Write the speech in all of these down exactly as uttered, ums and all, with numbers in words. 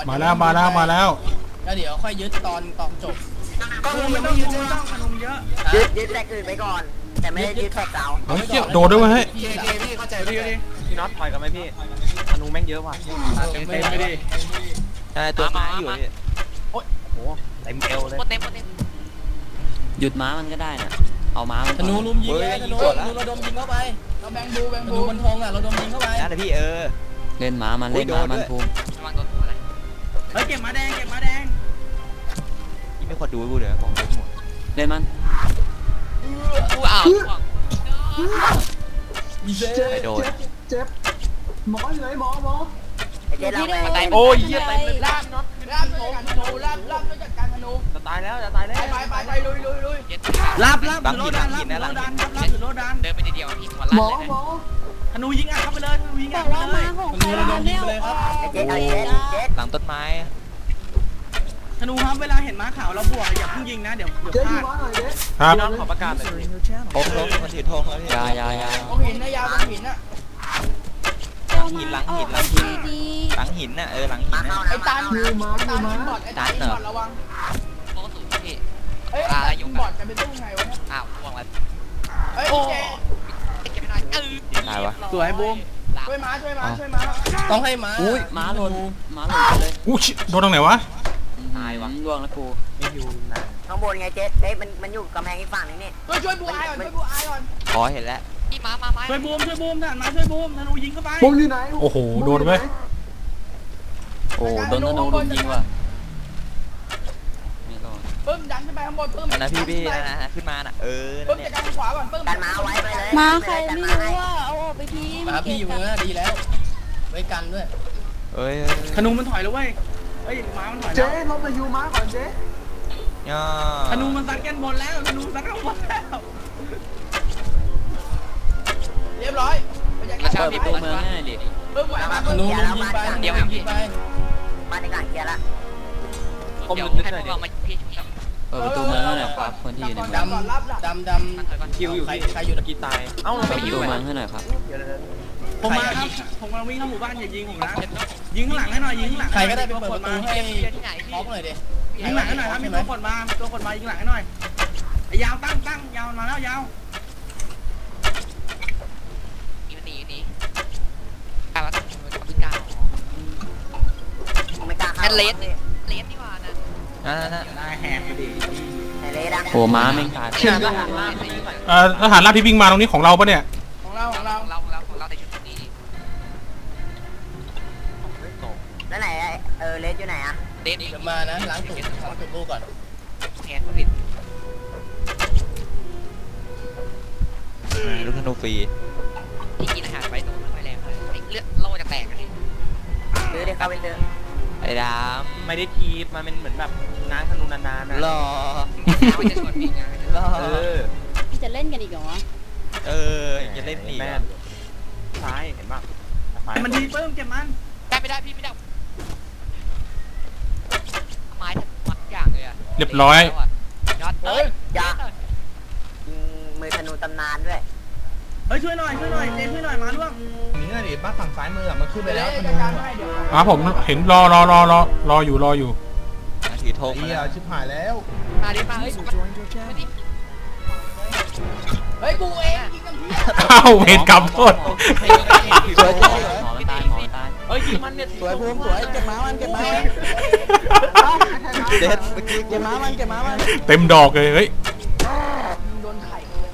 มาแล้วมาแล้วมาแล้วแล้วเดี๋ยวค่อยยึดตอนตอนจบก็ไม่ต้องยึดต้องขนมเยอะยึดยึดแรกอื่นไปก่อนแต่ไม่ได้ยึดแท็กเสาเฮ้ยเกี่ยวโดดด้วยเฮ้ยเคเคพี่เข้าใจพี่ดิพี่น็อตถอยกันไหมพี่ธนูแม่งเยอะว่ะเต็มไปดิใช่ตัวไม้อยู่พี่โอ้ยโหเต็มเอวเลยเต็มเต็มหยุดม้ามันก็ได้นะเอาม้ามันธนูลุมยิงเลยธนูธนูระดมยิงเข้าไปเราแบงบูแบงบูมันทงอ่ะเราดมยิงเข้าไปนั่นแหละพี่เออเล่นม้ามันเล่นม้ามันภูมิเฮ้ยเก็บม้าแดงเก็บม้าแดงพี่ไม่ควรดูกูเดี๋ยวผมเล่นหมดเล่นมันกูอ้าวไปโดนเจ็บหมออยู่ไหนหมอหมอเจ๊เราไปโอ้ยเยี่ยเต็มเลยลาบน็อตลาบธนูลาบลาบด้วยจัดการธนูจะตายแล้วจะตายแล้วไปไปไปลุยลุยลุยลาบลาบถือโลดันลาบถือโลดันลาบถือโลดันเดินไปเดียวพี่หัวล้านเลยนะธนูยิงอ่ะเข้าไปเลยธนูยิงอ่ะเข้าไปเลยธนูระดมยิงไปเลยครับเจ๊เจ๊เจ๊หลังต้นไม้ธนูครับเวลาเห็นม้าขาวเราบวกอย่าเพิ่งยิงนะเดี๋ยวเดี๋ยวพลาดครับพี่น้องขอประกาศเลยโอ้โหคนถือธงแล้วพี่ยายายาตรงหินนะยาวตรงหินน่ะหลังหินหลังหินหลังหินหลังหินน่ะเออหลังหินน่ะไอ้ตันไอ้ตันบอดไอ้ตันบอดระวังโอ้สูงพี่เฮ้ยตันบอดจะเป็นตู้ไงวะเนี่ยอ้าวห่วงแล้วเฮ้ยเจ๊เก็บไปหน่อยเออตายวะสวยบูมช่วยม้าช่วยม้าช่วยม้าต้องให้ม้าอุ้ยม้าหล่นม้าหล่นเลยอู้ชิโดนตรงไหนวะตายวะล่วงแล้วกูไม่อยู่นะข้างบนไงเจ๊เฮ้ยมันมันอยู่กำแพงอีกฝั่งนึงนี่ช่วยช่วยบูอายก่อนช่วยบูอายก่อนอ๋อเห็นแล้วพี่ม้ามาไหมช่วยบูมช่วยบูมท่านมาช่วยบูมธนูยิงเข้าไปบูมอยู่ไหนโอ้โหโดนไหมโอ้โดนธนูลุมยิงว่ะไม่รอดปึ้มดันขึ้นไปข้างบนปึ้มนะพี่พี่นะขึ้นมาน่ะเออปึ้มจัดการขวาก่อนปึ้มดันมาไว้ไปเลยมาใครไม่รู้ว่าเอาออกไปทีมาพี่อยู่เนื้อดีแล้วไว้กันด้วยเอ้ยธนูมันถอยแล้วเว้ยเฮ้ยม้ามันถอยแล้วเจ๊ลบมายูม้าก่อนเจ๊ธนูมันซัดกันบนแล้วธนูซัดกันบนแล้วเรียบร้อยกระชากพี่ตัวเมืองง่ายดิเพิ่มไหวมาธนูยิงไปเดี๋ยวยิงไปมาในกลางเกียร์ละผมให้พวกเรามาพี่เปิดประตูเมืองหน่อยครับคนที่อยู่ในเมืองดำดำดำคิวอยู่ใครอยู่ตะกี้ตายเอ้าเราไปอยู่ประตูเมืองให้หน่อยครับผมมาครับผมกำลังวิ่งเข้าหมู่บ้านอย่ายิงผมนะยิงข้างหลังให้หน่อยยิงข้างหลังใครก็ได้ไปเปิดประตูให้ท็อปหน่อยดิยิงหลังให้หน่อยครับมีตัวคนมาตัวคนมายิงหลังให้หน่อยยาวตั้งตั้งยาวมาแล้วยาวอีมันหนีหนีกล้าว่าต้องไม่กล้าไม่กล้าเข้าเลสเลสดีกว่านะนั่นนั่นได้แหกไปดิเลสอะโอ้ม้าไม่ขาดเอ่อทหารราบที่วิ่งมาตรงนี้ของเราปะเนี่ยของเราของเราของเราของเราของเราในชุดนี้แล้วไหนเออเลสอยู่ไหนอะเลสเดี๋ยวมานะล้างถุงล้างถุงลูกก่อนแหกผิดลูกธนูฟรีที่กินอาหารไปตัวไม่แรงเลยเลือดโล่จะแตกเลยซื้อได้เข้าไปซื้อไอ้ดามไม่ได้ทีบมันเป็นเหมือนแบบนางธนูนานๆนะรอไม่จะชวนพี่ไงเออจะเล่นกันอีกเหรอเออจะเล่นอีกแม่ซ้ายเห็นป่ะมันดีเพิ่มเก็บมันได้ไม่ได้พี่ไม่ได้ไม้ทั้งมัดอย่างเลยอะเรียบร้อยยอดเอ้ยยามือธนูตำนานด้วยเฮ้ยช่วยหน่อยช่วยหน่อยเจนช่วยหน่อยมาล่วงนี่น่ะดิบ้านฝั่งซ้ายมือมันขึ้นไปแล้วธนูอ่ะผมเห็นรอรอรอรอรออยู่รออยู่ถือธงมาแล้วชิบหายแล้วมาดิมาเฮ้ยเฮ้ยกูเองยิงกันพี่อ้าวเวรกรรมโทษสวยจังหมอมันตายหมอตายเฮ้ยยิงมันเนี่ยสวยภูมิสวยเก็บม้ามันเก็บม้าเด็ดเมื่อกี้เก็บม้ามันเก็บม้ามันเต็มดอกเลยเฮ้ยโดนไข่เลย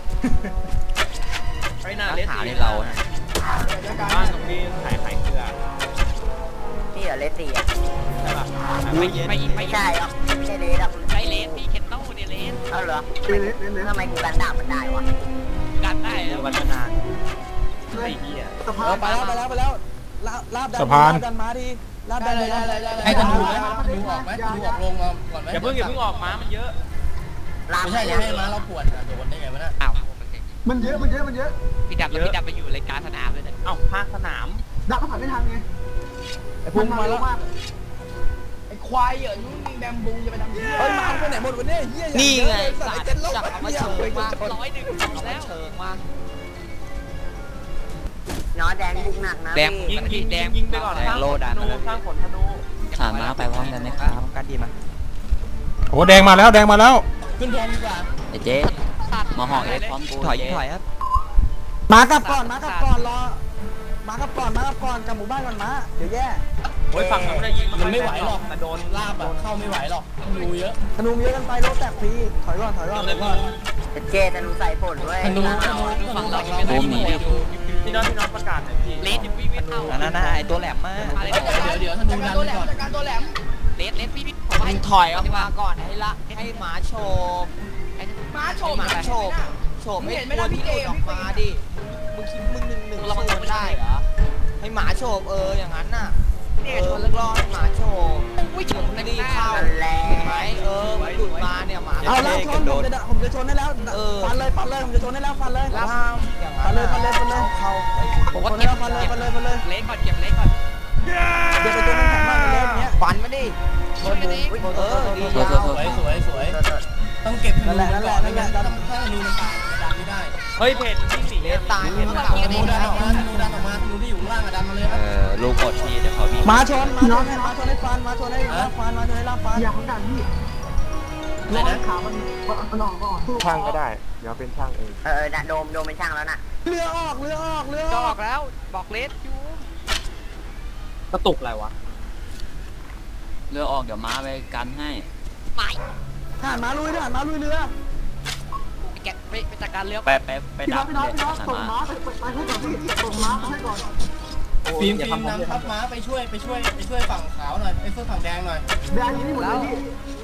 ไอ้หน้าเลสสีเราบ้านตรงนี้ขายไข่เกลือนี่เหรอเลสสีอ่ะใช่ป่ะไม่ไม่ไม่ใช่หรอกไม่ใช่เลสหรอกใช่เลสพี่เคนโต้เนี่ยเลสเอาเหรอเลสเลสทำไมกูกันดาบมันได้วะกันได้แล้ววันนานไอ้เหี้ยสะพานไปแล้วไปแล้วไปแล้วลาบสะพานดันมาดีลาบดันเลยให้ธนูไหมธนูออกไหมธนูออกลงมาก่อนไหมอย่าเพิ่งอย่าเพิ่งออกม้ามันเยอะไม่ใช่อย่าให้ม้าเราปวดโดนได้ไงวะน่ะอ้าวมันเยอะมันเยอะมันเยอะพี่ดับพี่ดับไปอยู่รายการสนามเลยเนี่ยเอ้าภาคสนามดับก็ผ่านไม่ทันไงไอ้พุ่งมาแล้วไอ้ควายเหรอนู้นมีแบมบูจะไปทำเหี้ยเฮ้ยมาไปไหนหมดวันนี้เหี้ยนี่ไงสัตว์จับมาเชิงมาร้อยหนึ่งแล้วเชิงมาน้อแดงบุกหนักนะแดงยิงยิงแดงยิงไปก่อนสร้างโลดันสร้างผลธนูทอ่ามาไปพร้อมกันไหมครับการดีมาโอ้แดงมาแล้วแดงมาแล้วขึ้นแทนดีกว่าไอ้เจ๊มาห่อเอฟพร้อมกูถอยเจ๊ถอยครับมากลับก่อนมากลับก่อนรอมากลับก่อนมากลับก่อนกลับหมู่บ้านก่อนมาเดี๋ยวแย่โอ้ยฝั่งนู้นได้ยิงมันไม่ไหวหรอกแต่โดนลาบอะเข้าไม่ไหวหรอกธนูเยอะธนูเยอะกันไปรถแตกฟรีถอยก่อนถอยก่อนถอยก่อนเจธนูใส่ผลด้วยธนูธนูธนูฝั่งเราไม่มีพี่น้องพี่น้องประกาศหน่อยพี่เลสวิ่งไม่เข้านั่นน่ะไอตัวแหลมมากเดี๋ยวเดี๋ยวธนูดันก่อนจัดการตัวแหลมเลสเลสพี่พี่มึงถอยออกมาก่อนให้ละให้หมาโฉบม้าโฉบหมาโฉบโฉบให้ตัวที่หลุดออกมาดิมึงคิดมึงหนึ่งหนึ่งสู้มันได้เหรอให้หมาโฉบเอออย่างนั้นน่ะเออเลิกรอให้หมาโฉบวิ่งถึงรีบเข้าแล้เห็นไหมเออมันหลุดมาเนี่ยหมาเอาแล้วชนผมจะผมจะชนได้แล้วฟันเลยฟันเลยผมจะชนได้แล้วฟันเลยแล้วอย่างนั้นฟันเลยฟันเลยฟันเลยเข้าไปผมชนได้แล้วฟันเลยฟันเลยฟันเลยเลสก่อนเก็บเลสก่อนเดี๋ยวไปตัวมันแข็งมากเลยเนี้ยฟันมาดิชนเลยเออดีสวยสวยสวยสวยต้องเก็บธนูนั่นแหละนั่นแหละนั่นแหละถ้าธนูมันตายดันไม่ได้เฮ้ยเพนที่สี่เลสตายเพนธตายนูดันออกมาธนูดันออกมาธนูที่อยู่ข้างล่างอะดันมาเลยคเอรับอลูกกดทีเดี๋ยวเขาวิ่งมาชนมาชนให้มาชนให้ฟันมาชนให้ลาฟันมาชนให้ลาฟันอย่าของดันพี่รอขามันมันออกก่อนช่างก็ได้ เดี๋ยวเป็นช่างเองเออน่ะโดมโดมเป็นช่างแล้วน่ะเรือออกเรือออกเรือจะออออก กแล้วบอกเลสอยู่กระตุกอะไรวะเรือออกเดี๋ยวม้าไปกันให้ไม่ทหารมาลุยทหารมาลุยเรือไปแกะไปไปจัดการเรือไปไปไปพี่ดัน้อก งพี่น้องเลยพี่น้องส่งม้าม้าไปไปให้ก่อนพี่ส่งม้าให้ก่อนฟิล์มฟิล์มนำทัพม้าไปช่วยไปช่วยไปช่วยฝั่งขาวหน่อยไปช่วยฝั่งแดงหน่อยแบนนี้หมดเลยพี่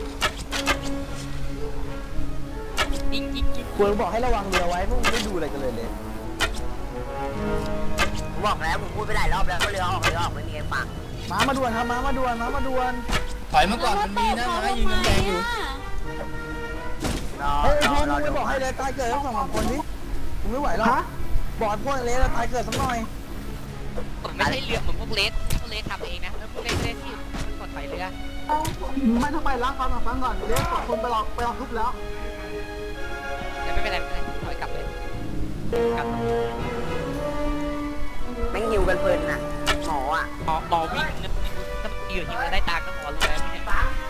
ยิงยิงยิงควรบอกให้ระวังเรือไว้พวกมึงไม่ดูอะไรกันเลยเลยผมบอกแล้วผมพูดไปหลายรอบแล้วก็เรือออกเรือออกไม่มีใครฟังมามาด่วนครับมามาด่วนมามาด่วนถอยมาก่อนมันมีนะม้ายิงแดงอยู่รอเฮ้ยรอพี่รมึองไม่ดูบอกให้เลยตายเกิดทั้งสองสามคนนี้ผมไม่ไหวหรอกบอกพวกเลสตายเกิดสักหน่อยผมไม่ใช่เรือเหมือนพวกเลสพวกเลสทำเองนะแล้วพวกเลสเลสที่มันกดถอยเรือไม่ต้องไปล้างฟันฟังก่อนเรียกสองคนไปหลอกไปหลอกทุบแล้วแต่ไม่เป็นไรไม่เป็นไรถอยกลับเลยกลับแม่งหิวกันเพลินน่ะหมออ่ะหมอหมอวิ่งนะถ้าอยู่ที่มันได้ตาก็หมอรู้แล้วไม่ใช่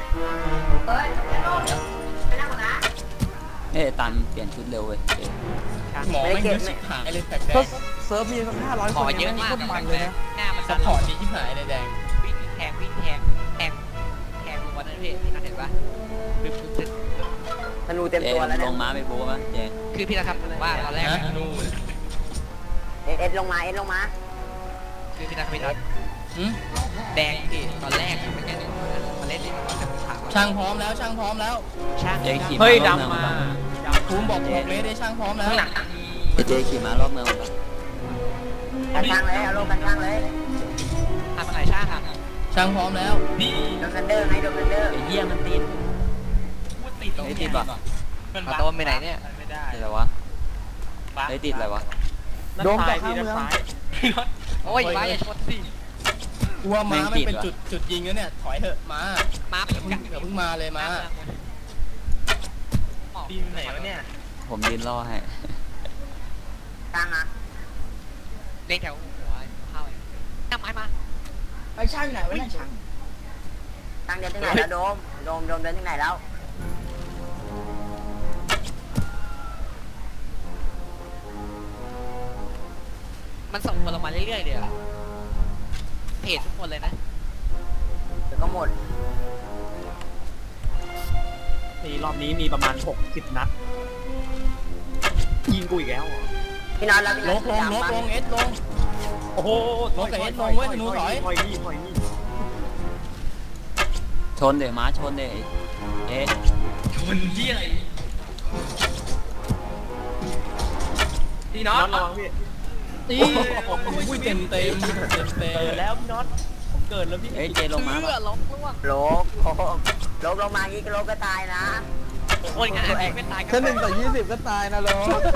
เอ้ยตันเปลี่ยนชุดเร็วเว้ยเจ๊หมอไม่เยอะชิบหายเลยแปลกก็เซิร์ฟมีสักห้าร้อยๆหคมอน เยอะนี่มากโคตรมันเลยนะหน้ามันซัพพอร์ตดีชิบหายเลยแดงวิ่งแทงวิ่งแทงแทงแทงวันนั้นพี่พี่นัทเห็นปะคือคือธนูเต็มเจ๊ตัวแล้วลเนี่ยงม้าไปโบ้ป่ะเจ๊คือพี่นัททำว่าตอนแรกนูเอ็ดเอ็ดลงมาเอ็ดลงมาคือพี่นัทพี่นัทแดงดิตอนแรกมันแค่หนึ่งมาเล่นดิมันจะถามช่างพร้อมแล้วช่างพร้อมแล้วช่างเจ๊ขี่เฮ้ยม้ารอบเมืองดำมามาภูมิบอกบอกเลยได้ช่างพร้อมแล้วไอ้เจ๊ขี่ม้ารอบเมืองมากันช่างเลยเอาลงกันช่างเลยทำอะไรช่างครับช่างพร้อมแล้วโดนกันเดอร์ไงโดนกันเดอร์ไอ้เหี้ยมันติดไอ้ติดป่ะมาโดนไปไหนเนี่ยติดอะไรวะไอ้ติดอะไรวะโดมจากข้างเมืองโอ้ยไปอย่าชนสิกลัวม้าไม่เป็นจุดจุดยิงแล้วเนี่ยถอยเถอะม้ามาเดี๋ยวเพิ่งเดี๋ยวเพิ่งมาเลยม้าดีไหนวะเนี่ยผมยืนรอให้ช่างอ่ะเล่นแถวหัวเข้าเลยน้ำไม้มาไปช่างไหนวะเนี่ยช่างช่างเดินที่ไหนแล้วโดมโดมโดมเดินที่ไหนแล้วมันส่งคนลงมาเรื่อยๆเลยอะเพจทุกคนเลยนะเดี๋ยวก็หมดนี่รอบนี้มีประมาณหกสิบนัด ยิงกูอีกแล้วเหรอพี่น็อตแล้วพี่ลน็อตบลงลบลงเอสลงโอ้โหลงกับเอสลงเว้ยธนูถอยถอยนี่ถอยนี่ชนเดี๋ยวม้าชนเดี๋ยวเอ๊ะพี่น้องน็อตระวังพี่ตีอุ้ยเต็มเต็มเต็มเต็มเกิดแล้วพี่น็อตผมเกิดแล้วพี่เอ้ยเจ๊ลงม้าเพื่อป่ะล้มล่วงโลกโอ้โหโลกลงมางี้ก็โลกก็ตายนะคนงานเองไม่ตายกัแค่หนึ่งต่อยี่สิบก็ตายนะโล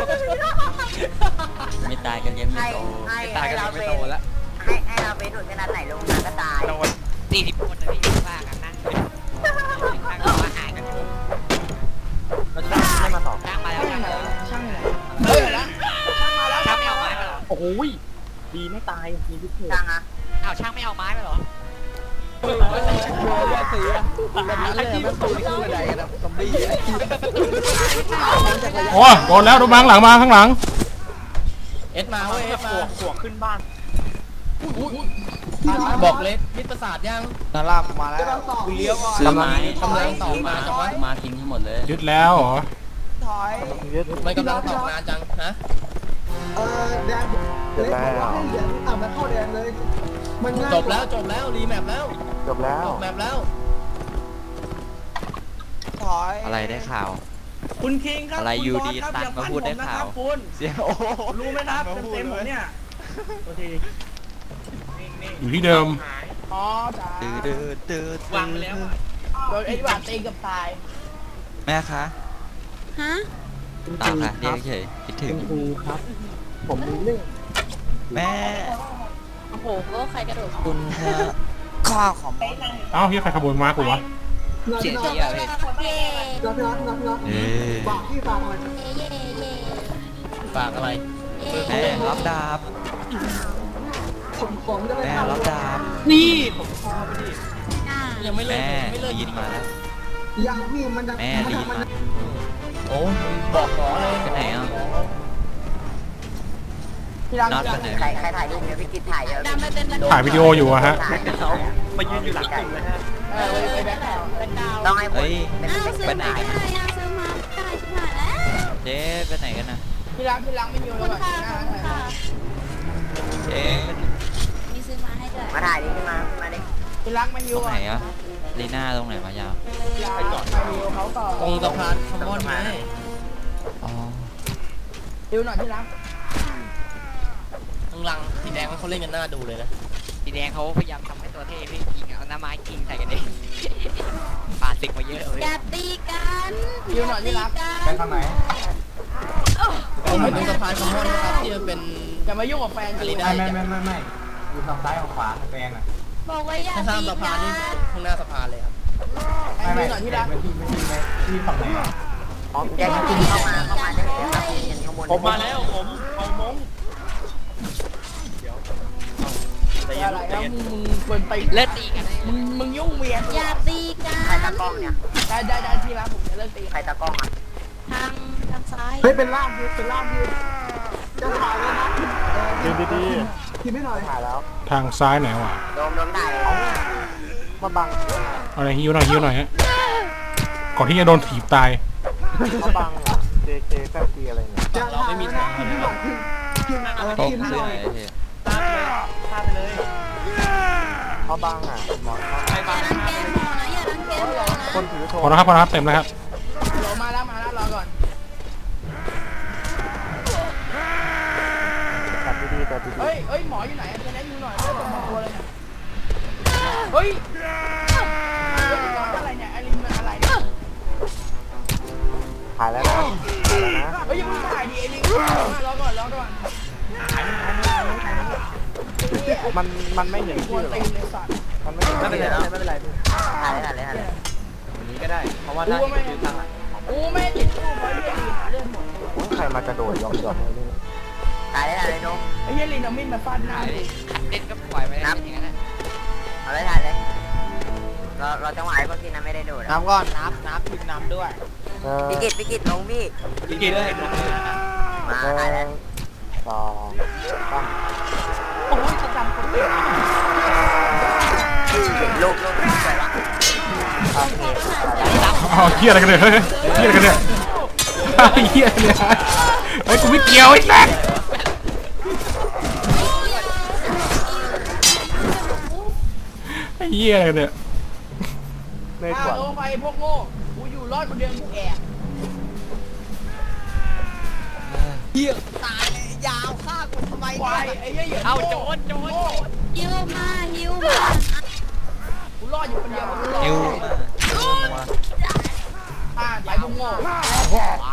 ไม่ตายกันยังไม่ให้โตให้ตายให้กันเราไม่เป็นโตแล้วให้ให้เราเป็นหนุนขนาดไหนลงมาก็ตายโดนสี่สิบคนเลยพี่ว่ากันนะช่างมาหายกันอยู่แล้วช่างไม่มาต่อช่างมาแล้วช่างมาแล้วช่างไหนเฮ้ยแล้วช่างมาแล้วช่างไม่เอาไม้มาหรอโอ้โหดีไม่ตายมีพิเศษช่างอ่ะอ้าวช่างไม่เอาไม้มาหรอเบอร์แยกสีอะแบบนั้นเลยมันตูนี่คืออะไรกันนะซอมบี้โอ้โดนแล้วโดนมาข้างหลังมาข้างหลังเอสมาเว้ยเอสมาขวกขึ้นบ้านบอกเลยมิตรประสาทยังนารามาแล้วเลี้ยวก่อนซื้อไม้กำลังต่อมาจังวะมาทิ้งทั้งหมดเลยยึดแล้วเหรอถอยมันกำลังต่อนานจังฮะเออแดงเลยบอกว่าให้เหรียญอ่ะมันเข้าแดงเลยมันง่ายจบแล้วจบแล้วรีแมปแล้วจบแล้วจบแมปแล้วถอยอะไรได้ข่าวคุณคิงครับอะไรอยู่ดีตัดมาพูดได้ข่าวคุณเสียโอ้โหรู้ไหมครับเต็มๆผมเนี่ยโอเคอยู่ที่เดิมอ๋อจ้าตื้อตื้อตื้อวางไปแล้วโดนไอ้หวานตีกับตายแม่คะฮะตามค่ะเรียกเฉยคิดถึงครูครับ ผมมีเรื่องแม่โอ้โหก็ใครกระโดดคุณค่ะข้อของเอ้าเฮียใครขโมยม้ากูวะเสียจเจีบยแล้วเลยเย่นัดนัดนัดนัดเอ้ยฝากพี่ฝากหน่อยเย่เย่เย่ฝากอะไรเย่แม่รับดาบผมผมจะไปแม่ทำรับดาบนี่ผมพอไปดิอ่ายังไม่เลิกแม่ไม่เลิกลีนมาแล้วยังพี่มันจะแม่ลีนมาโอ้มึงบอกหมอเลยไปไหนอ่ะที่ร้านน็อตไปไหนใครใครถ่ายรูปเนี่ยพี่กิตถ่ายเยอะดำไปเป็นถ่ายวิดีโออยู่อะฮะมายืนอยู่หลังตึกเลยฮะเออไปแบ็คกราวด์แบ็คกราวด์ต้องให้ผมเฮ้ยอ้าวซื้อไปไหนมากันได้นะอ่ะซื้อมาได้ชิบหายแล้วเจ๊ไปไหนกันนะที่ร้านที่ร้านไม่อยู่คุเลยณว่ะค่ะที่หน้าคุณค่ะเจ๊มีซื้อมาให้ด้วยมาถ่ายดิขึ้นมาขึ้นมาดิที่ร้านไม่อตรยู่งไหนอ่ะอ่ะลีน่าตรงไหนมายาวไปก่อนไปอยู่เขาต่อตรงสะพานคอมมอนไงอ๋อดิวหน่อยที่ร้านข้างหลังสีแดงเขาเล่นกันหน้าดูเลยนะสีแดงเขาพยายามทำให้ตัวเท่พี่ยิงเอาหน้าไม้ยิงใส่กันเอง ปาดศึกมาเยอะเลยอย่าตีกันอย่าตีกันไปทางไหนผมไปตรงสะพานคอมมอนนะครับที่มันเป็นอย่ามายุ่งกับแฟนกูไม่ไม่ไม่ไม่ไม่อยู่ทางซ้ายของขวาแดงอ่ะบอกว่าอย่าข้างตีๆสะพานกันี่นข้างหน้าสะพานเลยครับไอ้ดิวหน่อยที่ร้านที่ฝั่งไหนอ่ะแกกินเข้ามาเข้ามาได้เลยครับเห็นข้างบนผมมาแล้วผมเอามงเดี๋ยวใจเย็อะนไรใจแล้วเย็นมึงมึงเป็นไปเลิกตีกันเลยมึงมึงยุ่งเมียอย่าตีกันใครตากล้องเนี่ยได้ได้ได้ที่ร้านผมจะเลิกตีใครตากล้องอ่ะทางทางซ้ายเฮ้ยเป็นล่ามดิเป็นล่ามดิจะถ่ายเลยนะดีดีดีทีไม่หน่อยถ่ายแล้วทางซ้ายไหนวะโดมโดมถ่ายมาบังเอาหน่อยฮิวหน่อยฮิวหน่อยฮะก่อนที่จะโดนถีบตายมาบังอ่ะ เจ เค แฟซีอะไรเนี่ยจะถ่ายแล้วนะทีไม่หน่อยทีทีอะไรตรงทีไม่ซื้หอน่อไหนยเจ๊ตามเลยตามไปเลยเขาบังอ่ะหมอใครอย่าบ้างรังแกหมอนะอย่ารังแกหมอนะคนถือโทรพอแล้วครับพอแล้วครับเต็มแล้วครับรอมาแล้วมาแล้วรอก่อนตัดดีๆตัดดีเฮ้ยเฮ้ยหมออยู่ไหนจะแนะนำหน่อยเรื่องของตัวเลยเนี่ยเฮ้ยเรื่องของอะไรเนี่ยไอรินมันอะไรเนี่ยๆถ่ายแล้วนะถ่ายแล้วนะเฮ้ยยังไม่ถ่ายดิไอรินรอก่อนรอก่อนมันมันไม่เห็นกวชื่อน หรอตีนเลยสัตว์มันไม่เห็นไม่เป็นไรไม่เป็นไรถ่ายเลยถ่ายเลยถ่ายเลยวันนี้ก็ได้ เพราะว่าถ้าที่ยืนทางหลังกูไม่ติดตู้เพราะเรื่องลินเรื่องหมดใครมากระโดดยอมยอมเลยนี่ถ่ายเลยถ่ายเลยโดมไอ้เหี้ยลินเอามีดมาฟาดหน้าดิเล่นก็ปล่อยไปเลยอย่างนั้นนะเอาเลยถ่ายเลยเราเราจังหวะไอ้พวกที่นั้นไม่ได้โดดน้ำก่อนน้ำน้ำพิมน้ำด้วยเออพี่กิตพี่กิตลงพี่พี่กินเลยลงเลยมาหถ่ายเลนึ่ยงสองสามโอ้ยจะจำคนเดียวลูกลูกสวยปะโอเคเอาเฮียอะไรกันเนี่ยเฮ้ยเฮียอะไรกันเนี่ยเฮียอะไรเนี่ยเฮ้ยกูไม่เกี่ยวไอ้แซ่ไอ้เฮียอะไรกันเนี่ยในอ่าส่วนลงไปพวกโง่กูอยู่รอดคนเดียวกูแอบเหี้ยตายเลยยาวฆ่ากูทำไมควายไอ้เหี้ยเหยื่อเอาโจรโจรฮิวมาฮิวมากูรอดอยู่คนเดียวกูรอดนิวมาอ่าไปพวกโง่วา